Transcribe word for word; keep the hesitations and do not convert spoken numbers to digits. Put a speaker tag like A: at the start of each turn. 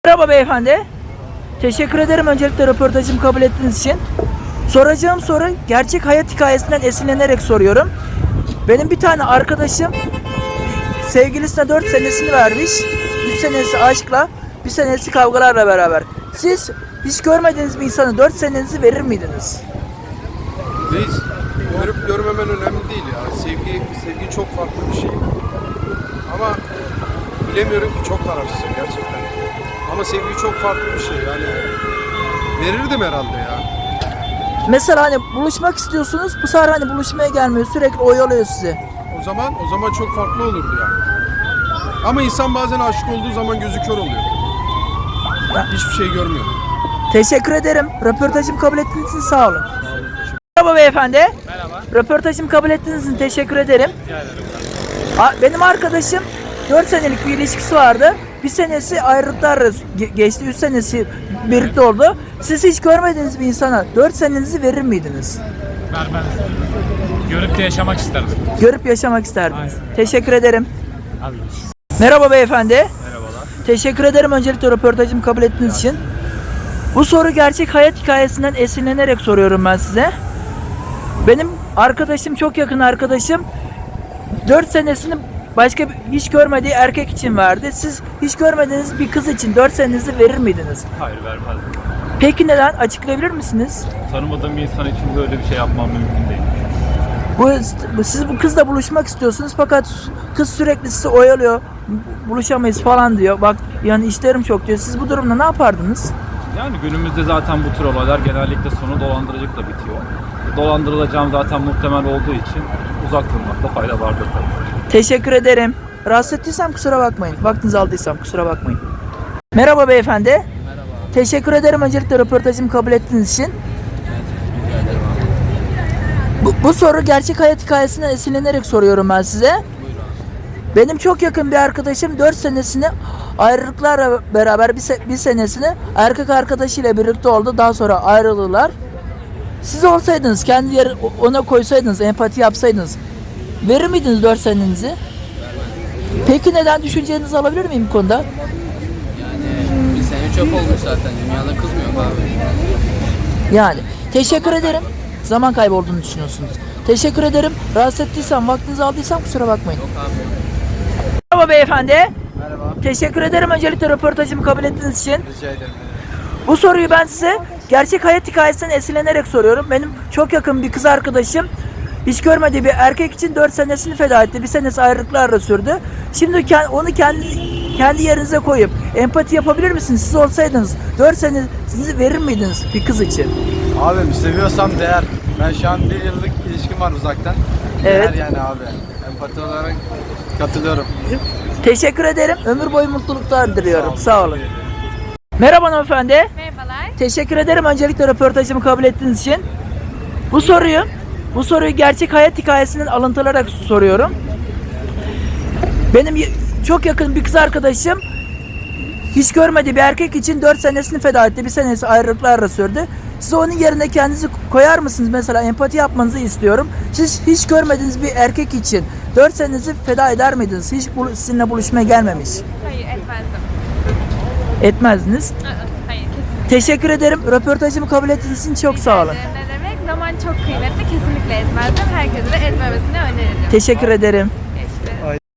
A: Merhaba beyefendi. Teşekkür ederim öncelikle röportajımı kabul ettiğiniz için. Soracağım soru gerçek hayat hikayesinden esinlenerek soruyorum. Benim bir tane arkadaşım sevgilisine dört senesini vermiş. üç senesi aşkla, bir senesi kavgalarla beraber. Siz hiç görmediğiniz bir insana dört senenizi verir miydiniz?
B: Reis, görüp görmemen önemli değil ya. Sevgi, sevgi çok farklı bir şey. Ama bilemiyorum ki, çok kararsızım gerçekten. Ama sevgi çok farklı bir şey yani. Verirdim herhalde ya.
A: Mesela hani buluşmak istiyorsunuz, bu sefer hani buluşmaya gelmiyor, sürekli oyalıyor sizi.
B: O zaman o zaman çok farklı olurdu ya. Ama insan bazen aşık olduğu zaman gözü kör oluyor.
A: Ya.
B: Hiçbir şey görmüyor.
A: Teşekkür ederim. Röportajımı kabul ettiğiniz için sağ olun. Merhaba beyefendi.
C: Merhaba.
A: Röportajımı kabul ettiğiniz için teşekkür ederim.
C: Rica ederim.
A: A- Benim arkadaşım dört senelik bir ilişkisi vardı. Bir senesi ayrılıklarla ge- geçti. üç senesi birlikte oldu. Siz hiç görmediğiniz bir insana dört senenizi verir miydiniz?
C: Vermez. Görüp de yaşamak isterdim.
A: Görüp yaşamak isterdiniz.
C: Aynen.
A: Teşekkür ederim.
C: Abi.
A: Merhaba beyefendi.
C: Merhabalar.
A: Teşekkür ederim öncelikle röportajımı kabul ettiğiniz için. Bu soru gerçek hayat hikayesinden esinlenerek soruyorum ben size. Benim arkadaşım, çok yakın arkadaşım, dört senesini başka bir, hiç görmediği erkek için verdi. Siz hiç görmediğiniz bir kız için dört senenizi verir miydiniz?
C: Hayır, vermezdim.
A: Peki neden? Açıklayabilir misiniz?
C: Tanımadığım bir insan için böyle bir şey yapmam mümkün değil.
A: Bu, bu- siz bu kızla buluşmak istiyorsunuz fakat kız sürekli sizi oyalıyor. Buluşamayız falan diyor. Bak yani işlerim çok diyor. Siz bu durumda ne yapardınız?
C: Yani günümüzde zaten bu tür olaylar genellikle sonu dolandırıcılıkla bitiyor. Dolandırılacağım zaten muhtemel olduğu için uzak durmakta fayda vardır tabii.
A: Teşekkür ederim. Rahatsız ettiysem kusura bakmayın. Vaktinizi aldıysam kusura bakmayın. Merhaba beyefendi.
D: Merhaba.
A: Teşekkür ederim öncelikle röportajımı kabul ettiğiniz için.
D: Rica ederim abi.
A: Bu, bu soru gerçek hayat hikayesinden esinlenerek soruyorum ben size.
D: Buyur abi.
A: Benim çok yakın bir arkadaşım dört senesini ayrılıklarla beraber bir, se- bir senesini erkek arkadaşıyla birlikte oldu. Daha sonra ayrıldılar. Siz olsaydınız, kendi yer ona koysaydınız, empati yapsaydınız verir miydiniz dört senenizi? Peki neden, düşüncenizi alabilir miyim bu konuda?
D: Yani bir sene çöp olmuş zaten. Dünyada kız mı yok abi?
A: Yani teşekkür ederim. Zaman kaybı olduğunu düşünüyorsunuz. Teşekkür ederim. Rahatsız ettiysem, vaktinizi aldıysam kusura bakmayın.
D: Yok abi.
A: Merhaba beyefendi.
D: Merhaba.
A: Teşekkür ederim öncelikle röportajımı kabul ettiğiniz için.
D: Rica ederim.
A: Bu soruyu ben size gerçek hayat hikayesinden esinlenerek soruyorum. Benim çok yakın bir kız arkadaşım hiç görmediği bir erkek için dört senesini feda etti. Bir senesi ayrılıklarla sürdü. Şimdi ke- onu kendi kendi yerinize koyup empati yapabilir misiniz? Siz olsaydınız dört senenizi verir miydiniz bir kız için?
E: Abim seviyorsam değer. Ben şu an bir yıllık ilişkim var uzaktan.
A: Evet.
E: Değer yani abi. Empati olarak katılıyorum.
A: Teşekkür ederim. Ömür boyu mutluluklar diliyorum. Sağ olun. Merhaba hanımefendi.
F: Merhabalar.
A: Teşekkür ederim öncelikle röportajımı kabul ettiğiniz için. Bu soruyu, bu soruyu gerçek hayat hikayesinden alıntılarak soruyorum. Benim y- çok yakın bir kız arkadaşım hiç görmediği bir erkek için dört senesini feda etti. Bir senesi ayrılıklarla sürdü. Siz onun yerine kendinizi koyar mısınız? Mesela empati yapmanızı istiyorum. Siz hiç görmediğiniz bir erkek için dört senenizi feda eder miydiniz? Hiç bul- sizinle buluşmaya gelmemiş.
F: Hayır, etmezdim.
A: Etmezdiniz.
F: Aa, hayır, kesinlikle.
A: Teşekkür ederim. Röportajımı kabul ettiğiniz için çok sağ olun.
F: Ne demek? Zaman çok kıymetli. Kesinlikle etmezdim. Herkese de etmemesini öneririm.
A: Teşekkür ederim.